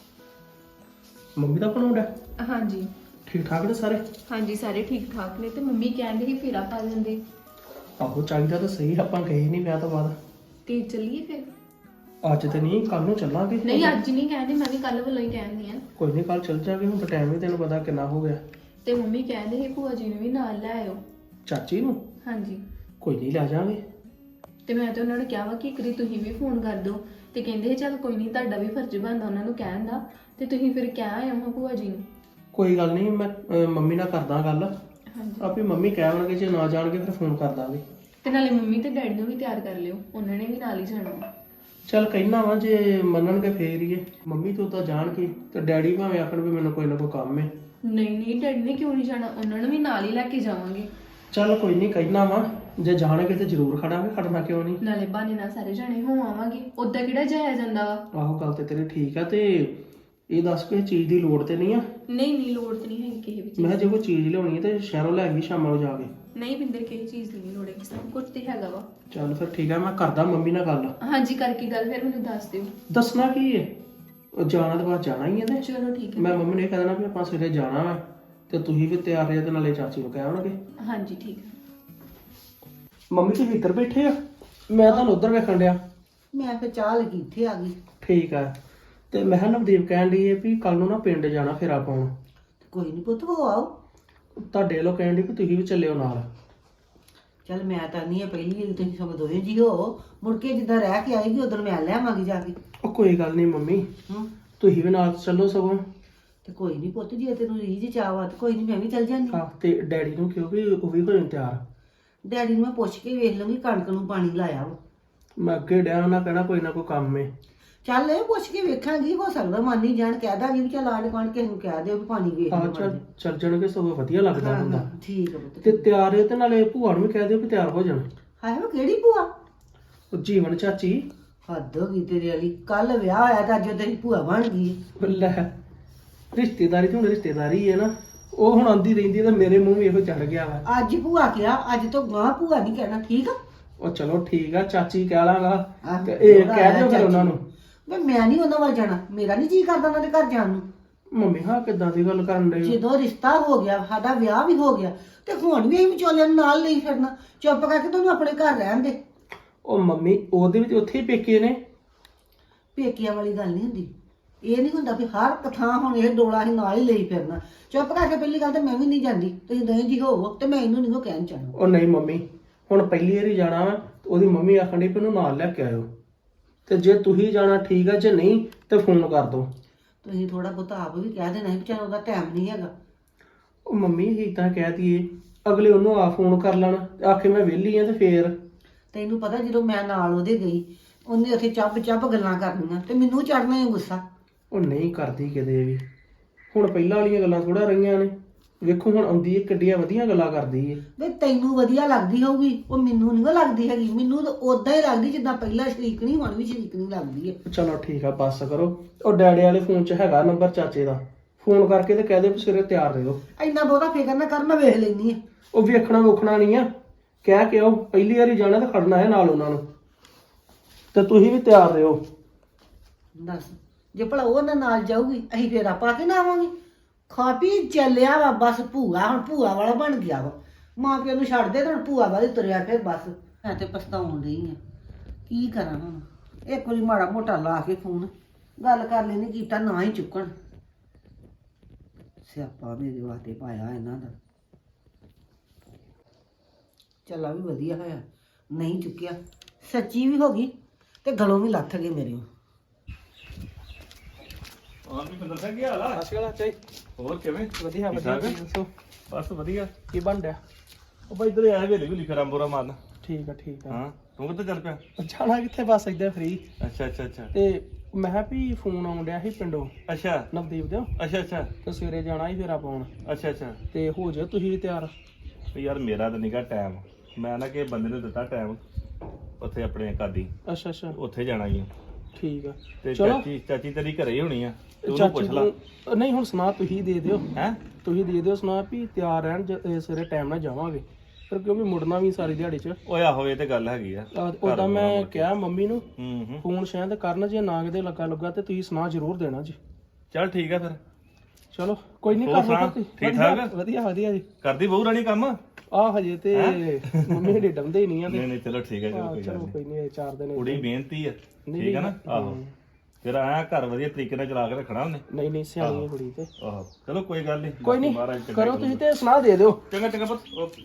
ਮੰਮੀ ਦਾ ਬਣਾਉਂਦਾ ਹਾਂਜੀ ਠੀਕ ਠਾਕ ਨੇ ਸਾਰੇ? ਹਾਂਜੀ, ਸਾਰੇ ਠੀਕ ਠਾਕ ਨੇ। ਤੇ ਮੰਮੀ ਕਹਿੰਦੇ ਸੀ ਫੇਰਾ ਪਾ ਲੈਂਦੇ, ਆਹੋ ਚਾਹੀਦਾ ਤਾਂ ਸਹੀ, ਆਪਾਂ ਗਏ ਨਹੀਂ ਵਿਆਹ ਤੋਂ ਬਾਅਦ। ਤੇ ਚੱਲੀਏ ਫਿਰ? ਅੱਜ ਤੇ ਨਹੀਂ, ਕੱਲ ਨੂੰ ਚੱਲਾਂਗੇ। ਨਹੀਂ ਅੱਜ ਨਹੀਂ ਕਹਿੰਦੇ, ਮੈਂ ਵੀ ਕੱਲ ਵੱਲੋਂ ਹੀ ਕਹਿੰਦੀ ਆ। ਕੋਈ ਨਹੀਂ, ਕੱਲ ਚੱਲ ਜਾਗੇ, ਹੁਣ ਤਾਂ ਟਾਈਮ ਵੀ ਤੈਨੂੰ ਪਤਾ ਕਿੰਨਾ ਹੋ ਗਿਆ। ਤੇ ਮੰਮੀ ਕਹਿੰਦੇ ਸੀ ਭੂਆ ਜੀ ਨੂੰ ਵੀ ਨਾਲ ਲੈ ਆਇਓ। ਚਾਚੀ ਨੂੰ? ਹਾਂਜੀ, ਕੋਈ ਨਹੀਂ, ਲੈ ਜਾਵਾਂਗੇ। ਤੇ ਮੈਂ ਤਾਂ ਉਹਨਾਂ ਨੂੰ ਕਿਹਾ ਵਾ ਕਿ ਇੱਕ ਵਾਰੀ ਤੁਸੀਂ ਵੀ ਫੋਨ ਕਰ ਦਿਓ, ਤੇ ਕਹਿੰਦੇ ਚੱਲ ਕੋਈ ਨਹੀਂ, ਤੁਹਾਡਾ ਵੀ ਫਰਜ਼ ਬਣਦਾ ਉਹਨਾਂ ਨੂੰ ਕਹਿਣ ਦਾ, ਤੇ ਤੁਸੀਂ ਫਿਰ ਕਹਿ ਆਇਓ ਹਾਂ ਭੂਆ ਜੀ ਨੂੰ। ਕੋਈ ਗੱਲ ਨਹੀਂ, ਮੈਂ ਮੰਮੀ ਨਾਲ ਕਰਦਾ ਗੱਲ। ਹਾਂਜੀ, ਆਪੇ ਮੰਮੀ ਕਹਿਣਗੇ, ਜੇ ਨਾ ਜਾਣਗੇ ਫਿਰ ਫੋਨ ਕਰ ਦਾਂਗੇ। ਤੇ ਨਾਲੇ ਮੰਮੀ ਤੇ ਡੈਡੀ ਨੂੰ ਵੀ ਤਿਆਰ ਕਰ ਲਿਓ, ਉਹਨਾਂ ਨੇ ਵੀ ਨਾਲ ਹੀ ਜਾਣਾ ਵਾ। ਚੱਲ ਕਹਿਣਾ ਵਾ, ਜੇ ਮੰਨਣਗੇ ਫੇਰ ਹੀ ਹੈ। ਮੰਮੀ ਤੋਂ ਤਾਂ ਜਾਣਗੇ, ਤੇ ਡੈਡੀ ਭਾਵੇਂ ਆਖਣ ਵੀ ਮੈਨੂੰ ਕੋਈ ਨਾ ਕੋਈ ਕੰਮ ਹੈ। ਨਹੀਂ ਨਹੀਂ, ਡੈਡੀ ਨੇ ਕਿਉਂ ਨਹੀਂ ਜਾਣਾ, ਉਹਨਾਂ ਨੂੰ ਵੀ ਨਾਲ ਹੀ ਲੈ ਕੇ ਜਾਵਾਂਗੇ। ਚੱਲ ਕੋਈ ਨਹੀਂ, ਕਹਿਣਾ ਵਾ, ਜੇ ਜਾਣਗੇ ਤੇ ਜ਼ਰੂਰ ਖੜਾਂਗੇ, ਖੜਨਾ ਕਿਉਂ ਨਹੀਂ। ਨਾਲੇ ਬਹਾਨੇ ਨਾਲ ਸਾਰੇ ਜਾਣੇ ਹੋ ਆਵਾਂਗੇ, ਉਦਾਂ ਕਿਹੜਾ ਜਾਇਆ ਜਾਂਦਾ ਵਾ। ਆਹੋ ਗੱਲ ਤੇ ਤੇਰੀ ਠੀਕ ਆ। ਤੇ ਇਹ ਦੱਸ ਕੋਈ ਚੀਜ਼ ਦੀ ਲੋੜ ਤੇ ਨਹੀਂ ਆ? ਨਹੀਂ ਨਹੀਂ, ਲੋੜ ਤੇ ਨਹੀਂ ਹੈਗੀ ਕਿਸੇ ਵੀ ਚੀਜ਼ ਮੈਂ ਕਿਹਾ ਜੇ ਕੋਈ ਚੀਜ਼ ਲਿਆਉਣੀ ਹੈ ਤੇ ਸ਼ਹਿਰੋਂ ਲੈ ਆਵੀਂ ਸ਼ਾਮਾਂ ਨੂੰ ਜਾ ਕੇ। ਨਹੀਂ ਬਿੰਦਰ, ਕਿਸੇ ਚੀਜ਼ ਦੀ ਨਹੀਂ ਲੋੜ ਹੈ, ਸਭ ਕੁਝ ਤੇ ਹੈਗਾ ਵਾ। ਚੱਲ ਫਿਰ ਠੀਕ ਆ, ਮੈਂ ਕਰਦਾ ਮੰਮੀ ਨਾਲ ਗੱਲ। ਹਾਂਜੀ, ਕਰਕੇ ਗੱਲ ਫਿਰ ਮੈਨੂੰ ਦੱਸ ਦਿਓ। ਦੱਸਣਾ ਕੀ ਹੈ, ਉਹ ਜਾਣਾ ਤਾਂ ਬਾਅਦ ਜਾਣਾ ਹੀ ਹੈ। ਤੇ ਚਲੋ ਠੀਕ ਹੈ। ਮੈਂ ਮੰਮੀ ਨੇ ਕਹਿ ਦੇਣਾ ਵੀ ਆਪਾਂ ਸਵੇਰੇ ਜਾਣਾ ਵਾ, ਤੇ ਤੁਸੀਂ ਵੀ ਤਿਆਰ ਰਹੇ ਤੇ ਨਾਲੇ ਚਾਚੀ ਨੂੰ ਕਹਿ ਆਉਣਗੇ। ਹਾਂਜੀ ਠੀਕ ਹੈ। ਮੰਮੀ ਤੁਸੀਂ ਇੱਧਰ ਬੈਠੇ ਆ, ਮੈਂ ਤੁਹਾਨੂੰ ਉੱਧਰ ਵੇਖਣ ਡਿਆ। ਮੈਂ ਫਿਰ ਚਾਹ ਲੱਗੀ ਇੱਥੇ ਆ ਗਈ। ਠੀਕ ਆ। ਤੇ ਮੈਂ ਕਿਹਾ ਨਵਦੀਪ ਕਹਿਣ ਡਈ ਹੈ ਵੀ ਕੱਲ ਨੂੰ ਨਾ ਪਿੰਡ ਜਾਣਾ ਫੇਰਾ ਪਾਉਣ। ਕੋਈ ਨਹੀਂ ਪੁੱਤ, ਹੋ ਆਓ। ਤੁਹਾਡੇ ਵੱਲੋਂ ਕਹਿਣ ਡਈ ਵੀ ਤੁਸੀਂ ਵੀ ਚੱਲਿਓ ਨਾਲ। ਚੱਲ ਮੈਂ ਤਾਂ ਨਹੀਂ ਆ, ਪਹਿਲੀ ਵਾਰੀ ਤੁਸੀਂ ਸਭ ਦੋਵੇਂ ਜੀ ਹੋ, ਮੁੜ ਕੇ ਜਿੱਦਾਂ ਰਹਿ ਕੇ ਆਏਗੀ ਉਦੋਂ ਮੈਂ ਲੈ ਆਵਾਂਗੀ ਜਾ ਕੇ। ਉਹ ਕੋਈ ਗੱਲ ਨਹੀਂ ਮੰਮੀ, ਹੂੰ, ਤੁਸੀਂ ਵੀ ਨਾਲ ਚੱਲੋ ਸਗੋਂ। ਤੇ ਕੋਈ ਨਹੀਂ ਪੁੱਤ, ਜੇ ਤੈਨੂੰ ਰੀਝ ਚਾਹਵਾ ਤੇ ਕੋਈ ਨਹੀਂ, ਮੈਂ ਵੀ ਚੱਲ ਜਾਂਦੀ। ਹਾਂ, ਤੇ ਡੈਡੀ ਨੂੰ ਕਿਉਂ ਵੀ ਉਹ ਵੀ ਹੋ ਜਾਣ ਤਿਆਰ। ਡੈਡੀ ਨੂੰ ਮੈਂ ਪੁੱਛ ਕੇ ਵੇਖ ਲਵਾਂਗੀ, ਕਣਕ ਨੂੰ ਪਾਣੀ ਲਾਇਆ ਵਾ। ਮੈਂ ਅੱਗੇ ਡਿਆ ਉਹਨਾਂ ਕਹਿਣਾ ਕੋਈ ਨਾ ਕੋਈ ਕੰਮ ਏ। ਚੱਲ ਇਹ ਪੁੱਛ ਕੇ ਵੇਖਾਂਗੀ, ਹੋ ਸਕਦਾ ਮੰਨ ਹੀ ਜਾਣ, ਕਹਿ ਦਾਂਗੀ ਵੀ ਚੱਲ ਆਂਢ ਗੁਆਂਢ ਕਿਸੇ ਨੂੰ ਕਹਿ ਦਿਓ ਵੀ ਪਾਣੀ ਵੇਖ ਆਹ ਲਿਓ। ਚੱਲ ਜਾਣਗੇ, ਸਗੋਂ ਵਧੀਆ ਲੱਗਦਾ ਹਾਂ, ਹੁੰਦਾ। ਹਾਂ, ਠੀਕ ਆ ਪੁੱਤ। ਤੇ ਤਿਆਰ ਹੈ, ਤੇ ਨਾਲੇ ਭੂਆ ਨੂੰ ਵੀ ਕਹਿ ਦਿਓ ਵੀ ਤਿਆਰ ਹੋ ਜਾਣ। ਹਾਏ ਉਹ ਕਿਹੜੀ ਭੂਆ? ਉਹ ਜੀਵਨ ਚਾਚੀ। ਹੱਦ ਹੋ ਗਈ ਤੇਰੇ ਵਾਲੀ, ਕੱਲ ਵਿਆਹ ਹੋਇਆ ਤਾਂ ਅੱਜ ਉਹ ਤੇਰੀ ਭੂਆ ਬਣ ਗਈ ਹੈ। ਲੈ, ਰਿਸ਼ਤੇਦਾਰੀ ਤੇ ਹੁਣ ਰਿਸ਼ਤੇਦਾਰੀ ਹੈ ਨਾ, ਉਹ ਹੁਣ ਆਂਦੀ ਰਹਿੰਦੀ ਤੇ ਮੇਰੇ ਮੂੰਹ ਵੀ ਇਹੋ ਚੜ ਗਿਆ ਵਾ। ਅੱਜ ਭੂਆ ਕਿਹਾ, ਅੱਜ ਤੋਂ ਗਾਂ ਭੂਆ ਨਹੀਂ ਕਹਿਣਾ, ਠੀਕ ਆ? ਉਹ ਚਲੋ ਠੀਕ ਆ, ਚਾਚੀ ਕਹਿ ਲਾਂਗਾ। ਆਹ, ਤੇ ਇਹ ਉਹਦਾ ਕਹਿ ਦਿਓ ਫਿਰ ਚਾਚੀ। ਉਹਨਾਂ ਨੂੰ। ਮੈਂ ਨਹੀਂ ਉਹਨਾਂ ਵੱਲ ਜਾਣਾ, ਮੇਰਾ ਨਹੀਂ ਜੀ ਕਰਦਾ ਉਹਨਾਂ ਦੇ ਘਰ ਜਾਣ ਨੂੰ। ਮੰਮੀ ਹਾਂ ਕਿੱਦਾਂ ਦੀ ਗੱਲ ਕਰਨ ਡਏ ਹੋ? ਜਦੋਂ ਰਿਸ਼ਤਾ ਹੋ ਗਿਆ, ਸਾਡਾ ਵਿਆਹ ਵੀ ਹੋ ਗਿਆ, ਤੇ ਹੁਣ ਵੀ ਅਸੀਂ ਵਿਚੋਲਿਆਂ ਨੂੰ ਨਾਲ ਲਈ ਫਿਰਨਾ। ਚੁੱਪ ਕਰਕੇ ਤੁਹਾਨੂੰ ਆਪਣੇ ਘਰ ਰਹਿਣ ਦੇ। ਉਹ ਮੰਮੀ ਉਹਦੇ ਵਿੱਚ ਉੱਥੇ ਹੀ ਪੇਕੇ ਨੇ। ਪੇਕਿਆਂ ਵਾਲੀ ਗੱਲ ਨਹੀਂ ਹੁੰਦੀ, ਇਹ ਨਹੀਂ ਹੁੰਦਾ ਵੀ ਹਰ ਇੱਕ ਥਾਂ ਹੁਣ ਇਹ ਡੋਲਾ ਹੀ ਨਾਲ ਹੀ ਲਈ ਫਿਰਨਾ। ਚੁੱਪ ਕਰਕੇ ਪਹਿਲੀ ਗੱਲ ਤਾਂ ਮੈਂ ਵੀ ਨਹੀਂ ਜਾਂਦੀ, ਤੁਸੀਂ ਦੋਵੇਂ ਜੀ ਹੋਵੋ, ਤੇ ਮੈਂ ਇਹਨੂੰ ਨਹੀਂ ਕਹਿਣ ਚਾਹਣਾ। ਉਹ ਨਹੀਂ ਮੰਮੀ, ਹੁਣ ਪਹਿਲੀ ਵਾਰੀ ਜਾਣਾ ਵਾ, ਉਹਦੀ ਮੰਮੀ ਆਖਣ ਡਈ ਵੀ ਉਹਨੂੰ ਨਾਲ ਲੈ ਕੇ ਆਇਓ। ਤੇ ਜੇ ਤੁਸੀਂ ਜਾਣਾ ਠੀਕ ਆ, ਜੇ ਨਹੀਂ ਤੇ ਫੋਨ ਕਰ ਦਿਓ। ਤੁਸੀਂ ਥੋੜਾ ਬਹੁਤਾ ਆਪ ਵੀ ਕਹਿ ਦੇਣਾ ਵੀ ਚੱਲ ਉਹਦਾ ਟਾਈਮ ਨਹੀਂ ਹੈਗਾ। ਉਹ ਮੰਮੀ ਹੀ ਤਾਂ ਕਹਿ ਦਈਏ, ਅਗਲੇ ਉਹਨੂੰ ਆ ਫੋਨ ਕਰ ਲੈਣ, ਆਖੇ ਮੈਂ ਵਿਹਲੀ ਆ, ਤੇ ਫੇਰ ਤੈਨੂੰ ਪਤਾ ਜਦੋਂ ਮੈਂ ਨਾਲ ਉਹਦੇ ਗਈ, ਉਹਨੇ ਉੱਥੇ ਚੱਬ ਚੱਬ ਗੱਲਾਂ ਕਰਨੀਆਂ, ਤੇ ਮੈਨੂੰ ਚੜਨਾ ਹੀ ਗੁੱਸਾ। ਉਹ ਨਹੀਂ ਕਰਦੀ ਕਿਤੇ ਵੀ। ਹੁਣ ਪਹਿਲਾਂ ਵਾਲੀਆਂ ਗੱਲਾਂ ਥੋੜਾ ਰਹੀਆਂ ਨੇ, ਵੇਖੋ ਹੁਣ ਆਉਂਦੀ ਏ, ਕਿੱਡੀਆਂ ਵਧੀਆ ਗੱਲਾਂ ਕਰਦੀ ਏ। ਵੇ ਤੈਨੂੰ ਵਧੀਆ ਲੱਗਦੀ ਹੋਊਗੀ, ਉਹ ਮੈਨੂੰ ਨਹੀਂ ਲੱਗਦੀ ਹੈਗੀ। ਮੈਨੂੰ ਤਾਂ ਉਦਾਂ ਹੀ ਲੱਗਦੀ ਜਿੱਦਾਂ ਪਹਿਲਾਂ ਸ਼ਰੀਕ ਨਹੀਂ, ਹੁਣ ਵੀ ਸ਼ਰੀਕ ਨਹੀਂ ਲੱਗਦੀ ਹੈ। ਚਲੋ ਠੀਕ ਆ, ਬੱਸ ਕਰੋ। ਉਹ ਡੈਡੀ ਵਾਲੇ ਫੋਨ 'ਚ ਹੈਗਾ ਨੰਬਰ ਚਾਚੇ ਦਾ, ਫੋਨ ਕਰਕੇ ਤੇ ਕਹਿ ਦੇ ਵੀ ਸਵੇਰੇ ਤਿਆਰ ਰਹੋ। ਇੰਨਾ ਬਹੁਤਾ ਫਿਕਰ ਨਾ ਕਰ, ਮੈਂ ਵੇਖ ਲੈਣੀ ਆ। ਉਹ ਵੇਖਣਾ ਵੋਖਣਾ ਨਹੀਂ ਆ, ਕਹਿ ਕੇ ਆਓ ਪਹਿਲੀ ਵਾਰੀ ਜਾਣਾ ਤੇ ਖੜਨਾ ਹੈ ਨਾਲ ਉਹਨਾਂ ਨੂੰ, ਤੇ ਤੁਸੀਂ ਵੀ ਤਿਆਰ ਰਹੋ। ਦੱਸ, ਜੇ ਭਲਾ ਉਹ ਨਾਲ ਜਾਊਗੀ, ਅਸੀਂ ਫੇਰ ਆਪਾਂ ਕੇ ਨਾ ਆਵਾਂਗੇ। ਖਾ ਪੀ ਚੱਲਿਆ ਵਾ ਬਸ, ਭੂਆ ਹੁਣ ਭੂਆ ਵਾਲਾ ਬਣ ਗਿਆ ਵਾ। ਮਾਂ ਪਿਓ ਨੂੰ ਛੱਡ ਦੇ ਤੇ ਹੁਣ ਭੂਆ ਵਾਲੀ ਤੁਰਿਆ ਫਿਰ ਬਸ। ਮੈਂ ਤੇ ਪਛਤਾਉਣ ਰਹੀ ਆ, ਕੀ ਕਰਾਂ ਹੁਣ। ਇੱਕ ਵਾਰੀ ਮਾੜਾ ਮੋਟਾ ਲਾ ਕੇ ਫੋਨ ਗੱਲ ਕਰ ਲੈਣੀ, ਕੀਤਾ ਨਾ ਹੀ ਚੁੱਕਣ। ਸਿਆਪਾ ਮੇਰੇ ਵਾਸਤੇ ਪਾਇਆ ਇਹਨਾਂ ਦਾ। ਚੱਲਾ ਵੀ ਵਧੀਆ ਹੋਇਆ ਨਹੀਂ ਚੁੱਕਿਆ, ਸੱਚੀ ਵੀ ਹੋ ਗਈ ਤੇ ਗਲੋਂ ਵੀ ਲੱਥ ਗਏ ਮੇਰੇ। ਹਾਂ ਵੀ ਬੰਦਾ ਸਿੰਘ ਕੀ ਹਾਲ ਆ? ਅਸਲ ਚਾਈ ਹੋਰ ਕਿਵੇਂ? ਵਧੀਆ ਠੀਕ ਵਧੀਆ, ਠਾਕ? ਤੁਸੀਂ ਦੱਸੋ ਬਸ ਵਧੀਆ। ਕੀ ਬਣ ਰਿਹਾ? ਉਹ ਬਾਈ ਇਧਰ ਆਇਆ ਵੇਲੇ ਵੀ ਲਿਖਾ ਰੰਬੋਰਾ ਮਾਰਨ। ਠੀਕ ਆ ਠੀਕ ਆ। ਹਾਂ ਤੂੰ ਕਿੱਥੇ ਚੱਲ ਪਿਆ? ਜਾਣਾ ਕਿੱਥੇ, ਬਸ ਏਦਾਂ ਫ੍ਰੀ। ਅੱਛਾ ਅੱਛਾ ਅੱਛਾ। ਤੇ ਮੈਂ ਕਿਹਾ ਵੀ ਫੋਨ ਆਉਣ ਡਿਆ ਸੀ ਪਿੰਡੋਂ ਅੱਛਾ ਨਵਦੀਪ ਦੇ, ਅੱਛਾ ਅੱਛਾ ਤੇ ਸਵੇਰੇ ਜਾਣਾ ਸੀ ਫੇਰਾ ਪਾਉਣ, ਅੱਛਾ ਅੱਛਾ ਤੇ ਹੋ ਜਾਓ ਤੁਸੀਂ ਵੀ ਤਿਆਰ। ਵੀ ਯਾਰ ਮੇਰਾ ਤਾਂ ਨਿਕਾ ਟਾਈਮ, ਮੈਂ ਨਾ ਕਿ ਬੰਦੇ ਨੂੰ ਦਿੱਤਾ ਟਾਈਮ ਉੱਥੇ ਆਪਣੇ ਕਾਦੀ, ਅੱਛਾ ਅੱਛਾ ਉੱਥੇ ਜਾਣਾ ਹੀ ਆ। ਠੀਕ ਆ। ਤੇ ਚਲੋ ਚਾਚੀ ਤੇਰੀ ਘਰੇ ਹੀ ਹੋਣੀ ਆ, ਤੇ ਉਹਨੂੰ ਚਾਚੀ ਪੁੱਛ ਲਾ ਨੂੰ ਨਹੀਂ ਹੁਣ ਸੁਣਾ ਤੁਸੀਂ ਦੇ ਦਿਓ, ਹੈ। ਤੁਸੀਂ ਦੇ ਦਿਓ ਸੁਣਾ ਵੀ ਤਿਆਰ ਰਹਿਣ ਸਵੇਰੇ ਟਾਈਮ ਨਾਲ ਜਾਵਾਂਗੇ, ਫਿਰ ਕਿਉਂਕਿ ਮੁੜਨਾ ਵੀ ਸਾਰੀ ਦਿਹਾੜੀ 'ਚ। ਓਏ ਆਹੋ ਇਹ ਤੇ ਗੱਲ ਹੈਗੀ ਆ। ਉਦਾਂ ਮੈਂ ਕਿਹਾ ਮੰਮੀ ਨੂੰ ਹੂੰ ਫੋਨ ਸ਼ਾਇਦ ਕਰਨ, ਜੇ ਨਾ ਕਿਤੇ ਲੱਗਾ ਤੇ ਤੁਸੀਂ ਸੁਣਾ ਜ਼ਰੂਰ ਦੇਣਾ ਜੀ। ਚੱਲ ਠੀਕ ਆ ਫਿਰ। ਚਲੋ ਕੋਈ ਨਹੀਂ, ਹੋਰ ਕਰ ਸੁਣਾ, ਲਓ ਤੁਸੀਂ। ਠੀਕ ਠਾਕ? ਵਧੀਆ ਵਧੀਆ ਜੀ। ਕਰਦੀ ਬਹੂ ਰਾਣੀ ਕੰਮ? ਆਹ ਹਜੇ ਤੇ ਮੰਮੀ ਹਡੇ ਡੰਦੇ ਹੀ ਨਹੀਂ ਆ ਤੇ ਨਹੀਂ ਨਹੀਂ ਚਲੋ ਠੀਕ ਹੈ, ਚਲੋ ਕੋਈ ਗੱਲ ਚਲੋ ਨਹੀਂ। ਕੋਈ ਨਹੀਂ, 4 ਦਿਨ ਕੁੜੀ ਮਿਹਨਤੀ ਆ, ਨਹੀਂ, ਠੀਕ ਆ ਨਾ। ਆਹੋ ਫਿਰ ਆਇਆ ਘਰ ਵਧੀਆ ਤਰੀਕੇ ਨਾਲ ਚਲਾ ਕੇ ਰੱਖਣਾ ਉਹਨੇ। ਨਹੀਂ ਨਹੀਂ ਸਿਆਣੀ ਹੈ ਕੁੜੀ ਤੇ। ਆਹੋ ਚਲੋ ਕੋਈ ਗੱਲ ਨਹੀਂ, ਕੋਈ ਨਹੀਂ, ਮਹਾਰਾਜ ਚੰਗਾ ਕਰੋ ਕਰੂਗਾ। ਤੁਸੀਂ ਤੇ ਸੁਣਾ ਦੇ ਦਿਓ। ਚੰਗਾ ਚੰਗਾ ਪੁੱਤ, ਓਕੇ।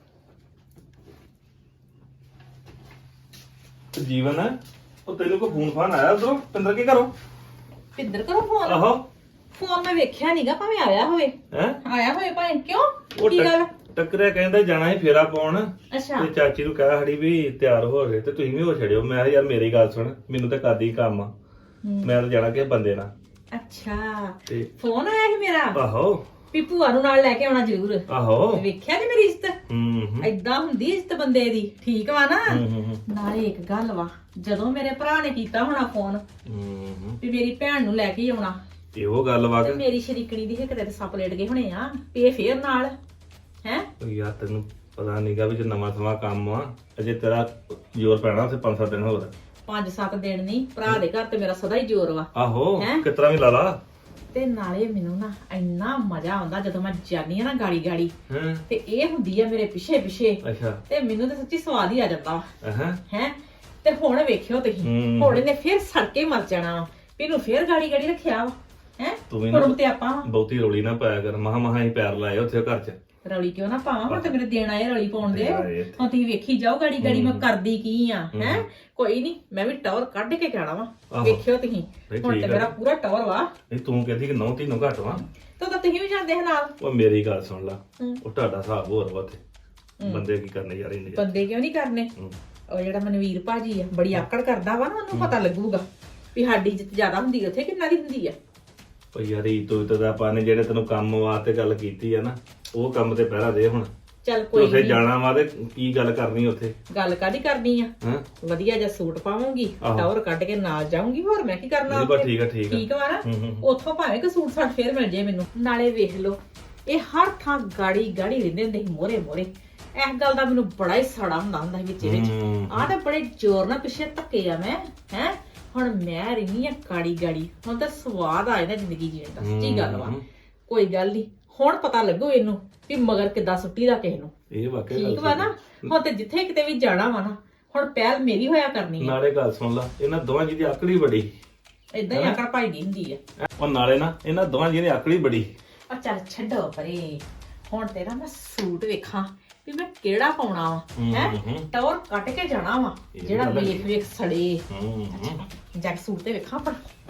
ਜੀਵਨ ਉਹ ਤੈਨੂੰ ਕੋ ਫੋਨ ਫਾਨ ਆਇਆ ਉਧਰੋਂ ਪਿੰਦਰ ਕੇ ਘਰੋਂ? ਪਿੰਦਰ ਕਰੋ ਫੋਨ? ਆਹੋ ਫੋਨ ਮੈਂ ਵੇਖਿਆ ਨਹੀਂਗਾ, ਭਾਵੇਂ ਆਇਆ ਹੋਵੇ। ਹੈ ਆਇਆ ਹੋਵੇ ਭਾਵੇਂ, ਕਿਉਂ ਉਹ ਕੀ ਗੱਲ? ਟੱਕਰਿਆ ਕਹਿੰਦਾ ਜਾਣਾ ਸੀ ਫੇਰਾ ਪਾਉਣ, ਅੱਛਾ ਤੇ ਚਾਚੀ ਨੂੰ ਕਹਿ ਹੜੀ ਵੀ ਤਿਆਰ ਹੋ ਗਏ ਤੇ ਤੁਸੀਂ ਵੀ ਹੋ ਛੜਿਓ। ਮੈਂ ਕਿਹਾ ਯਾਰ ਮੇਰੀ ਗੱਲ ਸੁਣ, ਮੈਨੂੰ ਤਾਂ ਕਰਦੀ ਕੰਮ ਆ, ਮੈਂ ਤਾਂ ਜਾਣਾ ਕਿਸੇ ਬੰਦੇ ਨਾਲ। ਅੱਛਾ ਤੇ ਫੋਨ ਆਇਆ ਸੀ ਮੇਰਾ ਆਹੋ ਵੀ ਭੂਆ ਨੂੰ ਨਾਲ ਲੈ ਕੇ ਆਉਣਾ ਜ਼ਰੂਰ। ਆਹੋ ਵੇਖਿਆ ਨੀ ਮੇਰੀ ਇੱਜ਼ਤ? ਹੂੰ ਏਦਾਂ ਹੁੰਦੀ ਇੱਜ਼ਤ ਬੰਦੇ ਦੀ, ਠੀਕ ਵਾ ਨਾ? ਹੂੰ ਨਾਲੇ ਇੱਕ ਗੱਲ ਵਾ, ਜਦੋਂ ਮੇਰੇ ਭਰਾ ਨੇ ਕੀਤਾ ਹੋਣਾ ਫੋਨ ਹੂੰ ਵੀ ਮੇਰੀ ਭੈਣ ਨੂੰ ਲੈ ਕੇ ਆਉਣਾ, ਇਹੋ ਗੱਲ ਵਾ ਤੇ ਕਿ ਮੇਰੀ ਸ਼ਰੀਕਣੀ ਦੀ ਹਿੱਕ ਤੇ ਸੱਪ ਲੇਟ ਗਏ ਹੋਣੇ ਆ ਵੀ ਇਹ ਫੇਰ ਨਾਲ ਹੈ। ਯਾਰ ਤੈਨੂੰ ਪਤਾ ਨਹੀਂਗਾ ਵੀ ਜੇ ਨਵਾਂ ਸਮਾਂ ਕੰਮ ਆ, ਅਜੇ ਤੇਰਾ ਜ਼ੋਰ ਪੈਣਾ ਉੱਥੇ 5-7 ਦਿਨ ਹੋਰ। 5-7 ਦਿਨ ਨਹੀਂ, ਭਰਾ ਦੇ ਘਰ ਤੇ ਮੇਰਾ ਸਦਾ ਹੀ ਜ਼ੋਰ ਵਾ। ਆਹੋ ਹੈਂ? ਕਿਤਰਾ ਵੀ ਲਾ ਲਾ। ਤੇ ਨਾਲੇ ਮੈਨੂੰ ਨਾ ਇੰਨਾ ਮਜ਼ਾ ਆਉਂਦਾ ਜਦੋਂ ਮੈਂ ਜਾਨੀ ਆ ਨਾ ਗਾੜੀ ਗਾੜੀ, ਹਾਂ ਤੇ ਇਹ ਹੁੰਦੀ ਆ ਮੇਰੇ ਪਿੱਛੇ ਪਿੱਛੇ, ਅੱਛਾ ਤੇ ਮੈਨੂੰ ਤਾਂ ਸੱਚੀ ਸਵਾਦ ਹੀ ਆ ਜਾਂਦਾ ਹਾਂ ਹੈ। ਤੇ ਹੁਣ ਵੇਖਿਓ ਤੁਸੀਂ, ਹੂੰ। ਹੁਣ ਇਹਨੇ ਫੇਰ ਸੜਕੇ ਮਰ ਜਾਣਾ ਵਾ, ਵੀ ਇਹਨੂੰ ਫੇਰ ਗਾੜੀ ਗਾੜੀ ਰੱਖਿਆ ਵਾ ਹੈ। ਤੂੰ ਵੀ ਨਾ ਕੁੜਮ ਤੇ ਆਪਾਂ ਵਾਂ। ਬਹੁਤੀ ਰੋਲੀ ਨਾ ਪਾਇਆ ਕਰ, ਮਹਾ ਹੀ ਪੈਰ ਲਾਏ ਉੱਥੇ ਘਰ 'ਚ। ਰੌਲੀ ਕਿਉਂ ਨਾ ਪਾਵਾਂ, ਹੁਣ ਤੇ ਮੇਰੇ ਦੇਣ ਆਏ ਰੌਲੀ ਪਾਉਣ ਦੇ। ਦੇਣ ਆਏ ਇੱਥੇ। ਹੁਣ ਤੁਸੀਂ ਵੇਖੀ ਜਾਓ ਗਾੜੀ ਗਾੜੀ ਮੈਂ ਕਰਦੀ ਕੀ ਆ ਹੈ। ਕੋਈ ਨਹੀਂ, ਮੈਂ ਵੀ ਟੌਰ ਕੱਢ ਕੇ ਕਹਿਣਾ ਵਾ, ਆਹੋ। ਵੇਖਿਓ ਤੁਸੀਂ। ਨਹੀਂ, ਹੁਣ ਠੀਕ ਤੇ ਆ। ਮੇਰਾ ਪੂਰਾ ਟੌਰ ਵਾ। ਨਹੀਂ ਤੂੰ ਕਹਿੰਦੀ ਕਿ 9 ਤੀਨੋਂ ਘੱਟ ਵਾ। ਤਾਂ ਤੁਸੀਂ ਵੀ ਜਾਂਦੇ ਹੋ ਨਾਲ। ਉਹ ਮੇਰੀ ਗੱਲ ਸੁਣ ਲਾ, ਹੂੰ। ਉਹ ਤੁਹਾਡਾ ਹਿਸਾਬ ਹੋਰ ਵਾ ਉੱਥੇ। ਬੰਦੇ ਕੀ ਕਰਨੇ ਯਾਰ ਇੰਨੇ। ਬੰਦੇ ਕਿਉਂ ਨਹੀਂ ਕਰਨੇ? ਹੂੰ। ਉਹ ਜਿਹੜਾ ਮਨਵੀਰ ਭਾਜੀ ਆ, ਬੜੀ ਆਕੜ ਕਰਦਾ ਵਾ ਨਾ, ਉਹਨੂੰ ਪਤਾ ਲੱਗੂਗਾ ਵੀ ਸਾਡੀ ਇੱਜ਼ਤ ਜ਼ਿਆਦਾ ਹੁੰਦੀ ਉੱਥੇ ਕਿੰਨਾ ਦੀ ਹੁੰਦੀ ਆ। ਉਹ ਯਾਰ ਇਹ ਤੋਂ ਤਾਂ ਆਪਾਂ ਨੇ ਜਿਹੜੇ ਤੈਨੂੰ ਕੰਮ ਵਾਸਤੇ ਗੱਲ ਕੀਤੀ ਆ ਨਾ, ਉਹ ਕੰਮ ਤੇ ਪਹਿਰਾ ਦੇ ਹੁਣ। ਚੱਲ ਤੇ ਕੋਈ ਉੱਥੇ ਨਹੀਂ, ਜਾਣਾ ਵਾ ਤੇ ਕੀ ਗੱਲ ਕਰਨੀ ਉੱਥੇ? ਗੱਲ ਕਾਦੀ ਕਰਨੀ ਆ? ਹਾਂ ਵਧੀਆ ਜਿਹਾ ਸੂਟ ਪਾਵਾਂਗੀ, ਆਹੋ। ਟੌਰ ਕੱਢ ਕੇ ਨਾਲ ਜਾਊਂਗੀ, ਹੋਰ ਮੈਂ ਕੀ ਕਰਨਾ ਨਹੀਂ ਬਸ ਉੱਥੇ? ਠੀਕ ਆ ਠੀਕ ਆ। ਠੀਕ ਵਾ ਨਾ? ਹੂੰ। ਉੱਥੋਂ ਭਾਵੇਂ ਕਿ ਸੂਟ ਸਾਟ ਫੇਰ ਮਿਲ ਜੇ ਮੈਨੂੰ। ਨਾਲੇ ਵੇਖ ਲਓ, ਇਹ ਹਰ ਥਾਂ ਗਾੜੀ ਗਾੜੀ ਰਹਿੰਦੇ ਹੁੰਦੇ ਸੀ ਮੋਰੇ ਮੋਰੇ। ਇਸ ਗੱਲ ਦਾ ਮੈਨੂੰ ਬੜਾ ਹੀ ਸੜਾ ਹੁੰਦਾ ਸੀ ਵਿੱਚ ਵਿੱਚ। ਹੂੰ। ਆਹ ਤਾਂ ਬੜੇ ਜ਼ੋਰ ਨਾਲ ਪਿੱਛੇ ਧੱਕੇ ਆ ਮੈਂ ਹੈ। ਹੁਣ ਮੈਂ ਰਹਿੰਦੀ ਆ ਗਾੜੀ ਗਾੜੀ, ਹੁਣ ਤਾਂ ਸਵਾਦ ਆ ਜਾਂਦਾ ਜ਼ਿੰਦਗੀ ਜੀਣ ਦਾ, ਸੱਚੀ ਗੱਲ ਵਾ। ਕੋਈ ਗੱਲ ਨਹੀਂ, ਹੁਣ ਪਤਾ ਲੱਗੂ ਇਹਨੂੰ ਵੀ ਮਗਰ ਕਿੱਦਾਂ ਸੁੱਟੀ ਦਾ ਕਿਸੇ ਨੂੰ। ਇਹ ਵਾਕਿਆ ਠੀਕ ਗੱਲ ਵਾ ਨਾ? ਹੁਣ ਤੇ ਜਿੱਥੇ ਕਿਤੇ ਵੀ ਜਾਣਾ ਵਾ ਨਾ, ਹੁਣ ਪਹਿਲ ਮੇਰੀ ਹੋਇਆ ਕਰਨੀ ਆ। ਨਾਲੇ ਗੱਲ ਸੁਣ ਲਾ, ਇਹਨਾਂ ਦੋਵਾਂ ਜੀ ਦੀ ਆਕੜੀ ਬੜੀ। ਏਦਾਂ ਹੀ ਆਕੜ ਭਾਈ ਦੀ ਹੁੰਦੀ ਆ। ਉਹ ਨਾਲੇ ਨਾ ਇਹਨਾਂ ਦੋਵਾਂ ਜੀ ਦੀ ਆਕੜੀ ਬੜੀ। ਆ ਚੱਲ ਛੱਡੋ ਪਰੇ, ਹੁਣ ਤੇਰਾ ਮੈਂ ਸੂਟ ਵੇਖਾਂ ਵੀ ਮੈਂ ਕਿਹੜਾ ਪਾਉਣਾ ਵਾ ਹੈ। ਟੌਰ ਕੱਟ ਕੇ ਜਾਣਾ ਵਾ, ਜਿਹੜਾ ਵੇਖ ਵੇਖ ਸੜੇ। ਹੂੰ ਜੱਗ ਸੂਟ ਤੇ ਵੇਖਾਂ ਪਰ